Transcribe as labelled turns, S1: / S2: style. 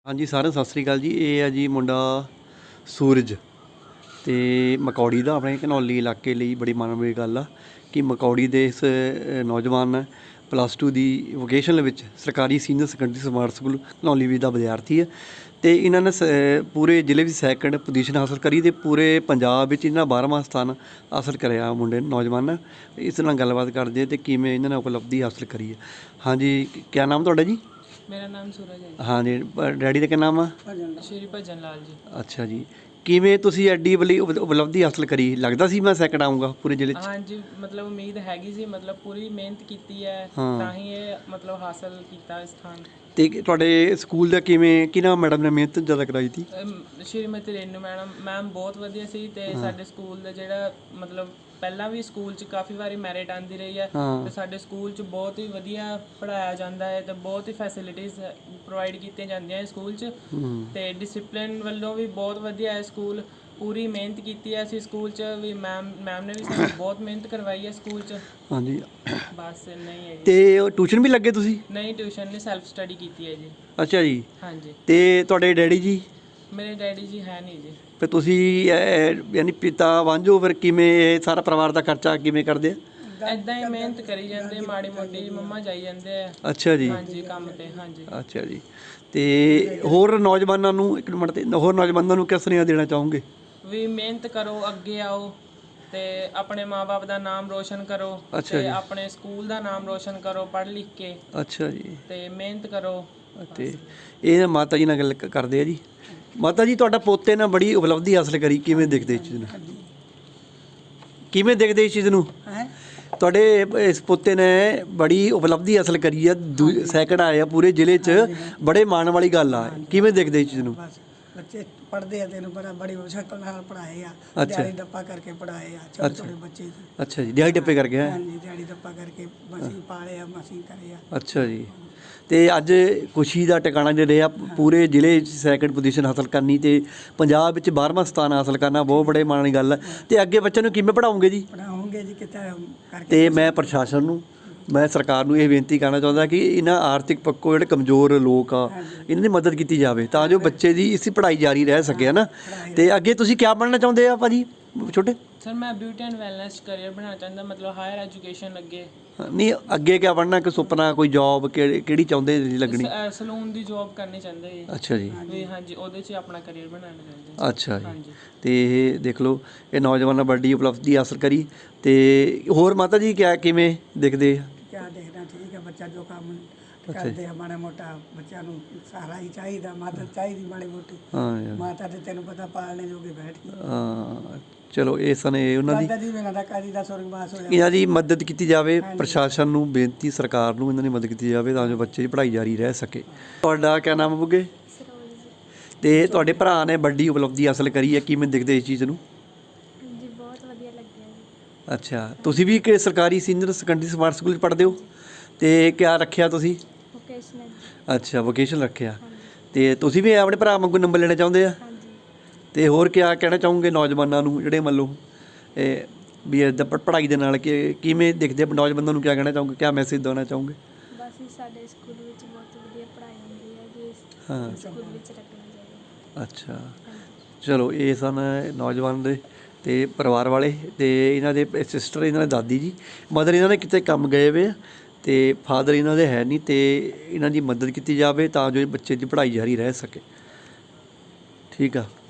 S1: ਹਾਂਜੀ ਸਾਰਿਆਂ ਨੂੰ ਸਤਿ ਸ਼੍ਰੀ ਅਕਾਲ ਜੀ। ਇਹ ਹੈ ਜੀ ਮੁੰਡਾ ਸੂਰਜ ਤੇ ਮਕੌੜੀ ਦਾ ਆਪਣੇ ਘਨੌਲੀ ਇਲਾਕੇ ਲਈ ਬੜੀ ਮਾਣ ਵਾਲੀ ਗੱਲ ਆ ਕਿ ਮਕੌੜੀ ਦੇ ਇਸ ਨੌਜਵਾਨ +2 ਦੀ ਵੋਕੇਸ਼ਨਲ ਵਿੱਚ ਸਰਕਾਰੀ senior secondary smart school Ghanauli ਵੀ ਦਾ ਵਿਦਿਆਰਥੀ ਹੈ ਅਤੇ ਇਹਨਾਂ ਨੇ ਪੂਰੇ ਜ਼ਿਲ੍ਹੇ ਵਿੱਚ ਸੈਕਿੰਡ ਪੋਜੀਸ਼ਨ ਹਾਸਲ ਕਰੀ ਅਤੇ ਪੂਰੇ ਪੰਜਾਬ ਵਿੱਚ ਇਹਨਾਂ 12ਵਾਂ ਸਥਾਨ ਹਾਸਲ ਕਰਿਆ ਮੁੰਡੇ ਨੌਜਵਾਨ ਨੇ। ਇਸ ਨਾਲ ਗੱਲਬਾਤ ਕਰਦੇ ਅਤੇ ਕਿਵੇਂ ਇਹਨਾਂ ਨੇ ਉਪਲਬਧੀ ਹਾਸਲ ਕਰੀ ਹੈ। ਹਾਂਜੀ, ਕਿਆ ਨਾਮ ਤੁਹਾਡਾ ਜੀ?
S2: मेरा नाम सूरज है जी।
S1: हाँ जी, डैडी का क्या नाम है?
S2: श्री भजन लाल जी।
S1: अच्छा जी, ਕਿਵੇਂ ਤੁਸੀਂ ਐਡੀ ਬਲੀ ਉਪਲਬਧੀ ਹਾਸਲ ਕਰੀ? ਲੱਗਦਾ ਸੀ ਮੈਂ ਸੈਕਿੰਡ ਆਊਂਗਾ ਪੂਰੇ ਜ਼ਿਲ੍ਹੇ 'ਚ?
S2: हाँ जी, मतलब उम्मीद हैगी सी, मतलब पूरी मेहनत की है ਤਾਂ ਹੀ ਇਹ मतलब हासिल ਕੀਤਾ ਸਥਾਨ।
S1: ਤੇ ਤੁਹਾਡੇ ਸਕੂਲ ਦਾ ਕਿਵੇਂ ਕਿਹਨਾਂ ਮੈਡਮ ਨੇ ਮਿਹਨਤ ਜ਼ਿਆਦਾ ਕਰਾਈ ਸੀ?
S2: ਸ਼੍ਰੀਮਤੀ ਰੇਨੂ ਮੈਮ ਬਹੁਤ ਵਧੀਆ ਸੀ ਤੇ ਸਾਡੇ ਸਕੂਲ ਦਾ ਜਿਹੜਾ ਮਤਲਬ ਪਹਿਲਾਂ ਵੀ ਸਕੂਲ 'ਚ ਕਾਫੀ ਵਾਰੀ ਮੈਰਿਟ ਆਂਦੀ ਰਹੀ ਹੈ ਤੇ ਸਾਡੇ ਸਕੂਲ 'ਚ ਬਹੁਤ ਹੀ ਵਧੀਆ ਪੜ੍ਹਾਇਆ ਜਾਂਦਾ ਹੈ ਤੇ ਬਹੁਤ ਹੀ ਫੈਸਿਲਿਟੀਜ਼ ਪ੍ਰੋਵਾਈਡ ਕੀਤੀਆਂ ਜਾਂਦੀਆਂ ਹੈ ਸਕੂਲ 'ਚ ਤੇ ਡਿਸਿਪਲਿਨ ਵੱਲੋਂ ਵੀ ਬਹੁਤ ਵਧੀਆ ਹੈ ਸਕੂਲ। ਪੂਰੀ ਮਿਹਨਤ ਕੀਤੀ ਹੈ ਅਸੀਂ ਸਕੂਲ 'ਚ ਵੀ, ਮੈਮ ਨੇ ਵੀ ਸਾਨੂੰ ਬਹੁਤ ਮਿਹਨਤ ਕਰਵਾਈ ਹੈ ਸਕੂਲ 'ਚ। ਹਾਂਜੀ, ਬਸ ਨਹੀਂ ਹੈ।
S1: ਤੇ ਟਿਊਸ਼ਨ ਵੀ ਲੱਗੇ ਤੁਸੀਂ?
S2: ਨਹੀਂ, ਟਿਊਸ਼ਨ ਨਹੀਂ, ਸੈਲਫ ਸਟੱਡੀ ਕੀਤੀ ਹੈ ਜੀ।
S1: ਅੱਛਾ ਜੀ।
S2: ਹਾਂਜੀ। ਤੇ
S1: ਤੁਹਾਡੇ ਡੈਡੀ ਜੀ?
S2: ਮੇਰੇ ਡੈਡੀ ਜੀ ਹੈ ਨਹੀਂ ਜੀ।
S1: ਫਿਰ ਤੁਸੀਂ ਯਾਨੀ ਪਿਤਾ ਵਾਂਝੋ, ਫਿਰ ਕਿਵੇਂ ਇਹ ਸਾਰਾ ਪਰਿਵਾਰ ਦਾ ਖਰਚਾ ਕਿਵੇਂ ਕਰਦੇ ਆ?
S2: ਇੱਦਾਂ ਹੀ ਮਿਹਨਤ ਕਰੀ ਜਾਂਦੇ, ਮਾੜੀ ਮੋਟੀ ਮੰਮਾ ਜਾਈ ਜਾਂਦੇ ਆ।
S1: ਅੱਛਾ ਜੀ।
S2: ਹਾਂਜੀ, ਕੰਮ ਤੇ। ਹਾਂਜੀ।
S1: ਅੱਛਾ ਜੀ। ਤੇ ਹੋਰ ਨੌਜਵਾਨਾਂ ਨੂੰ ਇੱਕ ਮਿੰਟ, ਤੇ ਹੋਰ ਨੌਜਵਾਨਾਂ ਨੂੰ ਕਿਸ ਸੁਨੇਹਾ ਦੇਣਾ ਚਾਹੋਗੇ?
S2: ਵੀ ਮਿਹਨਤ ਕਰੋ, ਅੱਗੇ ਆਓ ਤੇ ਆਪਣੇ ਮਾਪੇ ਦਾ ਨਾਮ ਰੋਸ਼ਨ ਕਰੋ ਤੇ ਆਪਣੇ ਸਕੂਲ ਦਾ ਨਾਮ ਰੋਸ਼ਨ ਕਰੋ ਪੜ੍ਹ ਲਿਖ ਕੇ। ਅੱਛਾ ਜੀ। ਤੇ ਮਿਹਨਤ ਕਰੋ।
S1: ਤੇ ਇਹ ਮਾਤਾ ਜੀ ਨਾਲ ਗੱਲ ਕਰਦੇ ਆ ਜੀ। ਮਾਤਾ ਜੀ, ਤੁਹਾਡਾ ਪੋਤੇ ਨੇ ਬੜੀ ਉਪਲਬਧੀ ਹਾਸਲ ਕਰੀ, ਕਿਵੇਂ ਦੇਖਦੇ ਇਸ ਚੀਜ਼ ਨੂੰ? ਕਿਵੇਂ ਦੇਖਦੇ ਇਸ ਚੀਜ਼ ਨੂੰ? ਤੁਹਾਡੇ ਇਸ ਪੋਤੇ ਨੇ ਬੜੀ ਉਪਲਬਧੀ ਹਾਸਲ ਕਰੀ ਆ, ਸੈਕਿੰਡ ਆਇਆ ਪੂਰੇ ਜ਼ਿਲ੍ਹੇ 'ਚ, ਬੜੇ ਮਾਣ ਵਾਲੀ ਗੱਲ ਆ। ਕਿਵੇਂ ਦੇਖਦੇ ਇਸ ਚੀਜ਼ ਨੂੰ?
S3: ਬੱਚੇ ਪੜ੍ਹਦੇ ਆ, ਤੈਨੂੰ ਪਤਾ ਬੜੀ ਮੁਸ਼ਕਲ ਨਾਲ ਪੜ੍ਹਾਏ ਆ, ਦਿਹਾੜੀ ਦੱਪਾ ਕਰਕੇ ਪੜ੍ਹਾਏ ਆ ਛੋਟੇ ਛੋਟੇ ਬੱਚੇ।
S1: ਅੱਛਾ ਜੀ, ਦਿਹਾੜੀ ਦੱਪੇ ਕਰਕੇ?
S3: ਹਾਂਜੀ, ਦਿਹਾੜੀ ਦੱਪਾ ਕਰਕੇ ਮਸੀਂ ਪਾਲੇ ਆ, ਮਸੀਂ ਕਰੇ ਆ।
S1: ਅੱਛਾ ਜੀ। ਤੇ ਅੱਜ ਖੁਸ਼ੀ ਦਾ ਟਿਕਾਣਾ ਜੇ ਰਿਹਾ ਪੂਰੇ ਜ਼ਿਲ੍ਹੇ 'ਚ ਸੈਕਿੰਡ ਪੋਜੀਸ਼ਨ ਹਾਸਲ ਕਰਨੀ ਤੇ ਪੰਜਾਬ ਵਿੱਚ 12ਵਾਂ ਸਥਾਨ ਹਾਸਲ ਕਰਨਾ ਬਹੁਤ ਬੜੇ ਮਾਣ ਦੀ ਗੱਲ ਹੈ। ਤੇ ਅੱਗੇ ਬੱਚਿਆਂ ਨੂੰ ਕਿਵੇਂ ਪੜ੍ਹਾਉਂਗੇ ਜੀ?
S3: ਪੜ੍ਹਾਉਂਗੇ ਜੀ ਕਿਤੇ ਕਰਕੇ।
S1: ਤੇ ਮੈਂ ਪ੍ਰਸ਼ਾਸਨ ਨੂੰ, ਮੈਂ ਸਰਕਾਰ ਨੂੰ ਇਹ ਬੇਨਤੀ ਕਰਨਾ ਚਾਹੁੰਦਾ ਕਿ ਇਹਨਾਂ ਆਰਥਿਕ ਪੱਖੋਂ ਜਿਹੜੇ ਕਮਜ਼ੋਰ ਲੋਕ ਆ ਇਹਨਾਂ ਦੀ ਮਦਦ ਕੀਤੀ ਜਾਵੇ ਤਾਂ ਜੋ ਬੱਚੇ ਦੀ ਇਸੇ ਪੜ੍ਹਾਈ ਜਾਰੀ ਰਹਿ ਸਕੇ, ਹੈ ਨਾ। ਤੇ ਅੱਗੇ ਤੁਸੀਂ ਕੀ ਬਣਨਾ ਚਾਹੁੰਦੇ ਆ ਭਾਜੀ ਛੋਟੇ?
S2: ਸਰ ਮੈਂ ਬਿਊਟੀ ਐਂਡ ਵੈਲਨੈਸ ਕਰੀਅਰ ਬਣਾਉਣਾ ਚਾਹੁੰਦਾ, ਮਤਲਬ ਹਾਇਰ ਐਜੂਕੇਸ਼ਨ ਅੱਗੇ।
S1: ਨਹੀਂ, ਅੱਗੇ ਕੀ ਬਣਨਾ? ਕੋਈ ਸੁਪਨਾ, ਕੋਈ ਜੌਬ ਕਿਹੜੀ ਚਾਹੁੰਦੇ ਜੀ ਲੱਗਣੀ?
S2: ਸਲੂਨ ਦੀ ਜੌਬ ਕਰਨੀ ਚਾਹੁੰਦੇ ਜੀ।
S1: ਅੱਛਾ ਜੀ।
S2: ਵੀ ਹਾਂਜੀ, ਉਹਦੇ 'ਚ ਆਪਣਾ ਕਰੀਅਰ ਬਣਾਉਣਾ ਚਾਹੁੰਦੇ।
S1: ਅੱਛਾ ਜੀ। ਤੇ ਇਹ ਦੇਖ ਲਓ, ਇਹ ਨੌਜਵਾਨ ਨੇ ਵੱਡੀ ਉਪਲਬਧੀ ਹਾਸਲ ਕਰੀ। ਤੇ ਹੋਰ ਮਾਤਾ ਜੀ ਕਿਵੇਂ ਦੇਖਦੇ ਆ?
S3: ਕਿਆ ਦੇਖਣਾ, ਠੀਕ ਹੈ, ਬੱਚਾ ਜੋ ਕੰਮ ਕਰਦੇ ਆ ਮਾੜਾ ਮੋਟਾ ਬੱਚਿਆਂ ਨੂੰ ਸਹਾਰਾ ਹੀ ਚਾਹੀਦਾ, ਮਦਦ ਚਾਹੀਦੀ ਮਾੜੀ ਮੋਟੀ। ਹਾਂ, ਮਾਤਾ ਤੇ ਤੈਨੂੰ ਪਤਾ ਪਾਲਣੇ ਜੋਗੇ ਬੈਠ ਗਈ।
S1: ਹਾਂ, ਚਲੋ ਇਸ ਨੇ ਉਹਨਾਂ ਦੀ
S3: ਇਹਨਾਂ
S1: ਦੀ ਮਦਦ ਕੀਤੀ ਜਾਵੇ। ਪ੍ਰਸ਼ਾਸਨ ਨੂੰ ਬੇਨਤੀ, ਸਰਕਾਰ ਨੂੰ ਇਹਨਾਂ ਦੀ ਮਦਦ ਕੀਤੀ ਜਾਵੇ ਤਾਂ ਜੋ ਬੱਚੇ ਦੀ ਪੜ੍ਹਾਈ ਜਾਰੀ ਰਹਿ ਸਕੇ। ਤੁਹਾਡਾ ਕਿਆ ਨਾਮ ਬੁੱਗੇ? ਤੇ ਤੁਹਾਡੇ ਭਰਾ ਨੇ ਵੱਡੀ ਉਪਲਬਧੀ ਹਾਸਲ ਕਰੀ ਹੈ, ਕਿਵੇਂ ਦੇਖਦੇ ਇਸ ਚੀਜ਼ ਨੂੰ?
S4: ਜੀ ਬਹੁਤ ਵਧੀਆ ਲੱਗਿਆ ਜੀ।
S1: ਅੱਛਾ, ਤੁਸੀਂ ਵੀ ਕਿ ਸਰਕਾਰੀ ਸੀਨੀਅਰ ਸੈਕੰਡਰੀ ਸਮਾਰਟ ਸਕੂਲ 'ਚ ਪੜ੍ਹਦੇ ਹੋ? ਤੇ ਕਿਆ ਰੱਖਿਆ ਤੁਸੀਂ?
S4: ਵੋਕੇਸ਼ਨਲ।
S1: ਅੱਛਾ, ਵੋਕੇਸ਼ਨ ਰੱਖਿਆ। ਤੇ ਤੁਸੀਂ ਵੀ ਆਪਣੇ ਭਰਾ ਵਾਂਗੂ ਨੰਬਰ ਲੈਣਾ ਚਾਹੁੰਦੇ ਆ? ਤੇ ਹੋਰ ਕਿਆ ਕਹਿਣਾ ਚਾਹੋਗੇ ਨੌਜਵਾਨਾਂ ਨੂੰ ਜਿਹੜੇ ਮੰਨ ਲਓ ਵੀ ਇੱਦਾਂ ਪੜ੍ਹਾਈ ਦੇ ਨਾਲ ਕਿਵੇਂ ਦੇਖਦੇ ਨੌਜਵਾਨਾਂ ਨੂੰ? ਕਿਆ ਕਹਿਣਾ ਚਾਹੋਗੇ, ਕਿਆ ਮੈਸੇਜ ਦੇਣਾ ਚਾਹੋਗੇ?
S4: ਬਸ ਸਾਡੇ ਸਕੂਲ ਵਿੱਚ ਬਹੁਤ ਵਧੀਆ ਪੜ੍ਹਾਈ ਹੁੰਦੀ ਹੈ ਜੀ, ਸਕੂਲ ਵਿੱਚ ਰੱਖਣਾ ਚਾਹੀਦਾ।
S1: ਅੱਛਾ, ਚਲੋ ਇਹ ਸਨ ਨੌਜਵਾਨ ਦੇ ਤੇ ਪਰਿਵਾਰ ਵਾਲੇ ਤੇ ਇਹਨਾਂ ਦੇ ਸਿਸਟਰ, ਇਹਨਾਂ ਦੇ ਦਾਦੀ ਜੀ। ਮਦਰ ਇਹਨਾਂ ਨੇ ਕਿਤੇ ਕੰਮ ਗਏ ਵੇ ਆ ਤੇ ਫਾਦਰ ਇਹਨਾਂ ਦੇ ਹੈ ਨਹੀਂ, ਤੇ ਇਹਨਾਂ ਦੀ ਮਦਦ ਕੀਤੀ ਜਾਵੇ ਤਾਂ ਜੋ ਬੱਚੇ ਦੀ ਪੜ੍ਹਾਈ ਜਾਰੀ ਰਹਿ ਸਕੇ। ਠੀਕ ਆ।